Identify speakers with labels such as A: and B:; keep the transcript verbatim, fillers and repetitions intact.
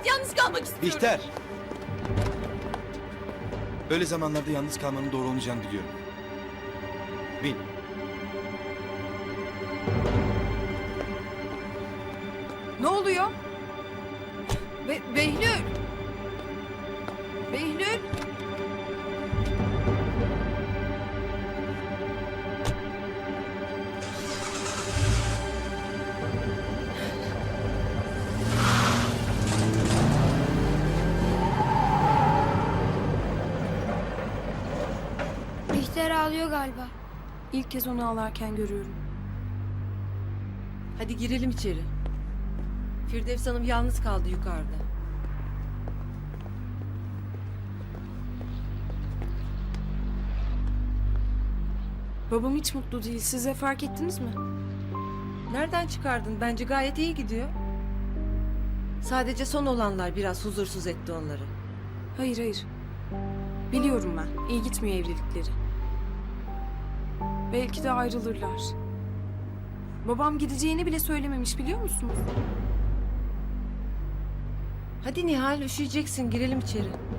A: Yalnız kalmak istiyorum.
B: Bihter. Böyle zamanlarda yalnız kalmanın doğru olmayacağını biliyorum. Bin.
A: Ne oluyor? Be Behlül. Behlül.
C: Bihter ağlıyor galiba.
D: İlk kez onu ağlarken görüyorum.
A: Hadi girelim içeri. Firdevs Hanım yalnız kaldı yukarıda.
D: Babam hiç mutlu değil. Siz de fark ettiniz mi?
A: Nereden çıkardın? Bence gayet iyi gidiyor. Sadece son olanlar biraz huzursuz etti onları.
D: Hayır hayır. Biliyorum ben. İyi gitmiyor evlilikleri. Belki de ayrılırlar. Babam gideceğini bile söylememiş, biliyor musunuz?
A: Hadi Nihal, üşüyeceksin, girelim içeri.